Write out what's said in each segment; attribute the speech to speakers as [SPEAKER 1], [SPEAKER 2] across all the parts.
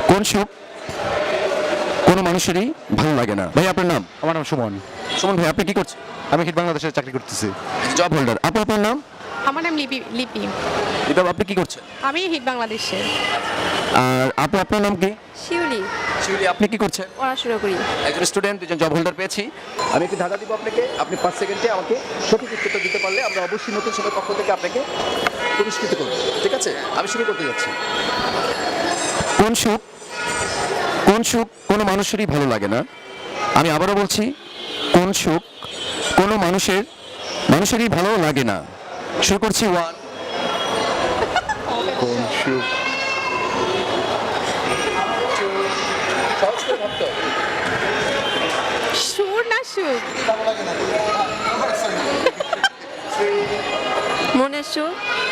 [SPEAKER 1] কোন সুখ কোনো মানুষেরই ভালো লাগে না। ভাই আপনার নাম?
[SPEAKER 2] আমার নাম সুমন।
[SPEAKER 1] সুমন ভাই, আপনি কি করছেন?
[SPEAKER 2] আমি হিট বাংলাদেশে চাকরি করতেছি।
[SPEAKER 1] Job holder. আপু আপনার নাম?
[SPEAKER 3] আমার নাম লিপি লিপি
[SPEAKER 1] এটা আপনি কি করছেন?
[SPEAKER 3] আমি হিট বাংলাদেশের
[SPEAKER 1] আর আপু আপনার নাম কি?
[SPEAKER 3] শিউলি
[SPEAKER 1] শিউলি, আপনি কি করছেন?
[SPEAKER 3] পড়াশোনা করি।
[SPEAKER 1] একজন স্টুডেন্ট, দুজন জব হোল্ডার পেয়েছি। আমি একটু ধাঁধা দিব আপনাকে, আপনি 5 সেকেন্ডে আমাকে সঠিক উত্তরটা দিতে পারলে আমরা অবশ্যই নতুন সময়ের পক্ষ থেকে আপনাকে পুরস্কৃত করব। ঠিক আছে, আমি শুরু করতে যাচ্ছি। কোন সুখ কোনো মানুষেরই ভালো লাগে না। আমি আবারও বলছি, কোন সুখ কোনো মানুষেরই ভালো লাগে না। শুরু করছি। 1
[SPEAKER 2] কোন সুখ?
[SPEAKER 1] সহজ করে ভাবতে হবে।
[SPEAKER 3] সুর না সুখ? মনের সুখ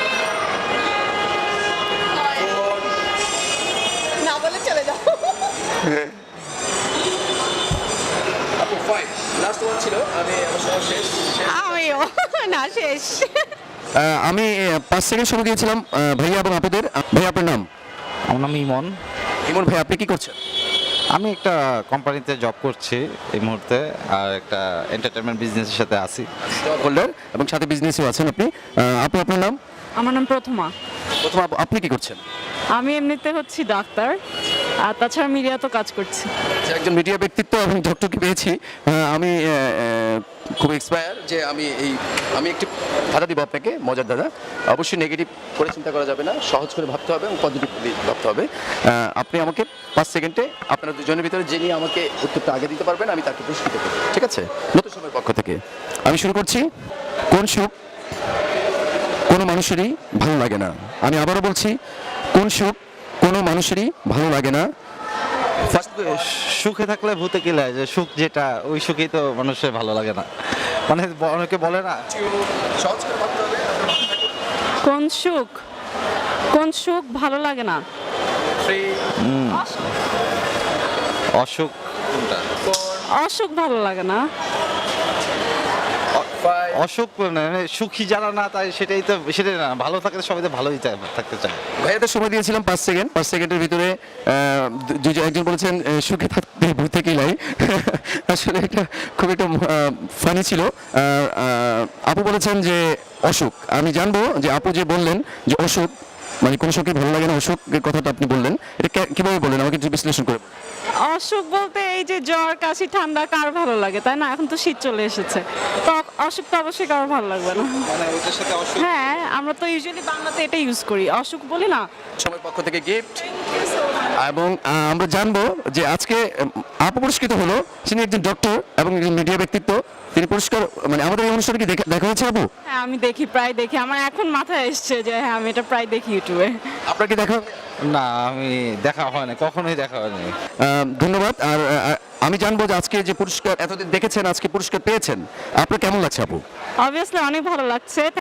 [SPEAKER 3] না বলে চলে যাও।
[SPEAKER 1] আপু 5 লাস্ট ওয়ান ছিল। আমি আমার সময় শেষ।
[SPEAKER 3] আমিও না শেষ।
[SPEAKER 1] আমি 5 সেকেন্ড সময় দিয়েছিলাম ভাইয়া এবং আপুদের। ভাই আপনার নাম?
[SPEAKER 2] আমার নাম ইমন।
[SPEAKER 1] ইমন ভাই, আপনি কি করছেন?
[SPEAKER 2] আমি একটা কোম্পানিতে জব করছি এই মুহূর্তে, আর একটা এন্টারটেনমেন্ট বিজনেসের সাথে আছি।
[SPEAKER 1] জব হোল্ডার এবং সাথে বিজনেসও আছেন আপনি। আপু আপনার নাম?
[SPEAKER 4] আমার নাম প্রথমা।
[SPEAKER 1] প্রথম আপনি কি করছেন?
[SPEAKER 4] আমি এমনিতে হচ্ছি ডাক্তার, আর তাছাড়া মিডিয়া তো কাজ করছি।
[SPEAKER 1] যে একজন মিডিয়া ব্যক্তিত্ব এবং ডক্টরকে পেয়েছি। আমি খুব এক্সপায়ার যে আমি একটি ধাঁধা দিব আপনাকে, মজার ধাঁধা। অবশ্যই নেগেটিভ করে চিন্তা করা যাবে না, সহজ করে ভাবতে হবে এবং পজিটিভ ভাবতে হবে। আপনি আমাকে 5 সেকেন্ডে আপনারা দুজনের ভিতরে যিনি আমাকে উত্তরটা আগে দিতে পারবেন আমি তাকে পুরস্কৃত করব। ঠিক আছে, নতুন সময়ের পক্ষ থেকে আমি শুরু করছি। কোন সুখ কোনো মানুষেরই ভালো লাগে না। আমি আবারও বলছি, কোন সুখ কোনো মানুষেরই ভালো লাগে না।
[SPEAKER 2] সুখে থাকলে ভূতে কি লাগে, যে সুখ যেটা ওই সুখেই তো মানুষের ভালো লাগে না, মানে অনেকে বলে না।
[SPEAKER 1] সহজ করে ভাবতে হবে।
[SPEAKER 4] কোন সুখ ভালো লাগে না?
[SPEAKER 2] অসুখ কোনটা?
[SPEAKER 4] অসুখ ভালো লাগে না।
[SPEAKER 2] অসুখ মানে সুখী যারা না, তাই সেটাই না, ভালো থাকলে সবাই তো ভালোই থাকতে চায়।
[SPEAKER 1] ভাইয়াদের সময় দিয়েছিলাম 5 সেকেন্ড। 5 সেকেন্ডের ভিতরে একজন বলেছেন সুখে থাকতে ভূতে কিলাই। আসলে এটা খুব একটা ফানি ছিল। আপু বলেছেন যে অসুখ। আমি জানবো যে আপু যে বললেন যে অসুখ মানে কোন সুখে ভালো লাগে না, অসুখের কথাটা আপনি বললেন, এটা কিভাবে বললেন আমাকে একটু বিশ্লেষণ করে বলুন।
[SPEAKER 4] অসুখ বলতে এই যে জ্বর কাশি ঠান্ডা কার ভালো লাগে, তাই না? এখন তো শীত চলে এসেছে, তো অসুখ তো অবশ্যই কারো ভালো লাগবে না।
[SPEAKER 2] মানে ওইটার সাথে অসুখ।
[SPEAKER 4] হ্যাঁ, আমরা তো ইউজুয়ালি বাংলাতে এটা ইউজ করি, অসুখ বলি না।
[SPEAKER 1] সময়ের পক্ষ থেকে গিফট। এবং আমরা জানবো যে আজকে আপু পুরস্কৃত হলো, তিনি একজন ডক্টর এবং একজন মিডিয়া ব্যক্তিত্ব। তিনি পুরস্কার মানে আমাদের এই অনুষ্ঠানে কি দেখা হয়েছে আপু?
[SPEAKER 4] হ্যাঁ, আমি প্রায় দেখি, আমার এখন মাথায় এসছে যে হ্যাঁ আমি এটা প্রায় দেখি ইউটিউবে।
[SPEAKER 1] আপনার কি দেখা?
[SPEAKER 2] না, আমি দেখা হয় না, কখনোই দেখা হয়নি।
[SPEAKER 1] ধন্যবাদ। আর আমি জানবো যে আজকে যে পুরস্কার এতদিন দেখেছেন, আজকে পুরস্কার পেয়েছেন, আপনার কেমন লাগছে আপু?
[SPEAKER 4] অবভিয়াসলি অনেক ভালো লাগছে।